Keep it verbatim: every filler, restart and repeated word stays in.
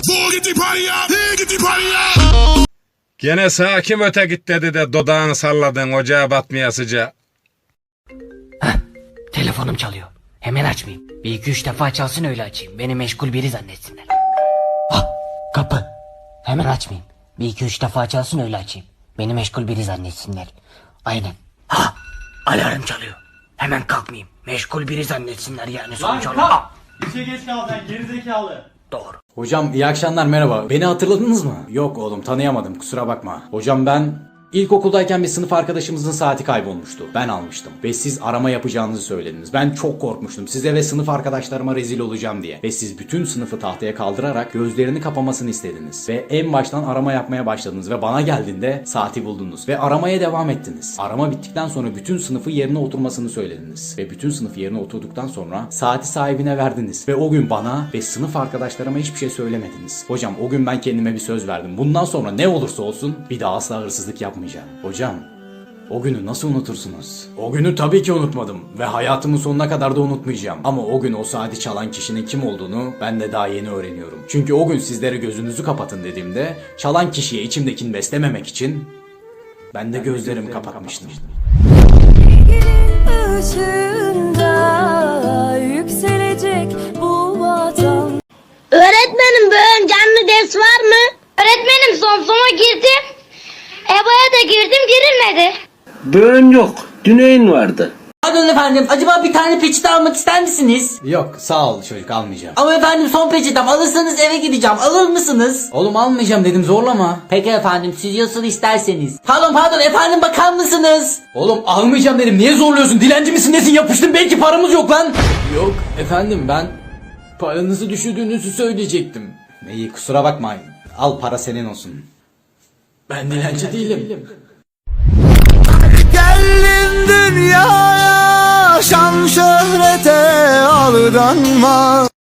Gene sağ kim öte git dedi de dodağını salladın ocağa batmaya sıcağı. Heh, telefonum çalıyor. Hemen açmayayım. Bir iki üç defa çalsın öyle açayım. Beni meşgul biri zannetsinler. Ah, kapı. Hemen açmayayım. Bir iki üç defa çalsın öyle açayım. Beni meşgul biri zannetsinler. Aynen. Ha, alarm çalıyor. Hemen kalkmayayım. Meşgul biri zannetsinler yani sonuç olarak. Ah, İşe geç kaldın gerizekalı. doğru. Hocam iyi akşamlar, merhaba. Beni hatırladınız mı? Yok oğlum, tanıyamadım, kusura bakma. Hocam ben ilkokuldayken bir sınıf arkadaşımızın saati kaybolmuştu. Ben almıştım ve siz arama yapacağınızı söylediniz. Ben çok korkmuştum size ve sınıf arkadaşlarıma rezil olacağım diye. Ve siz bütün sınıfı tahtaya kaldırarak gözlerini kapamasını istediniz. Ve en baştan arama yapmaya başladınız ve bana geldiğinde saati buldunuz. Ve aramaya devam ettiniz. Arama bittikten sonra bütün sınıfı yerine oturmasını söylediniz. Ve bütün sınıf yerine oturduktan sonra saati sahibine verdiniz. Ve o gün bana ve sınıf arkadaşlarıma hiçbir şey söylemediniz. Hocam o gün ben kendime bir söz verdim. Bundan sonra ne olursa olsun bir daha asla hırsızlık yapmayacağım. Hocam, o günü nasıl unutursunuz? O günü tabii ki unutmadım ve hayatımın sonuna kadar da unutmayacağım. Ama o gün o saati çalan kişinin kim olduğunu ben de daha yeni öğreniyorum. Çünkü o gün sizlere gözünüzü kapatın dediğimde çalan kişiye içimdekini beslememek için ben de gözlerimi kapatmıştım. Işığında yükselecek bu vatan. Öğretmenim bugün canlı ders var mı? Öğretmenim son sona girdim. E B A'ya da girdim girilmedi. Böğün yok. Düneyin vardı. Pardon efendim, acaba bir tane peçete almak ister misiniz? Yok sağ ol çocuk, almayacağım. Ama efendim son peçetem, alırsanız eve gideceğim, alır mısınız? Oğlum almayacağım dedim, zorlama. Peki efendim, siz nasıl isterseniz. Pardon pardon efendim, bakar mısınız? Oğlum almayacağım dedim, niye zorluyorsun? Dilenci misin nesin, yapıştın, belki paramız yok lan. Yok efendim, ben paranızı düşürdüğünüzü söyleyecektim. İyi, kusura bakmayın, al, para senin olsun. Ben dilenci değilim. Geldin dünyaya, şan şöhrete aldanma.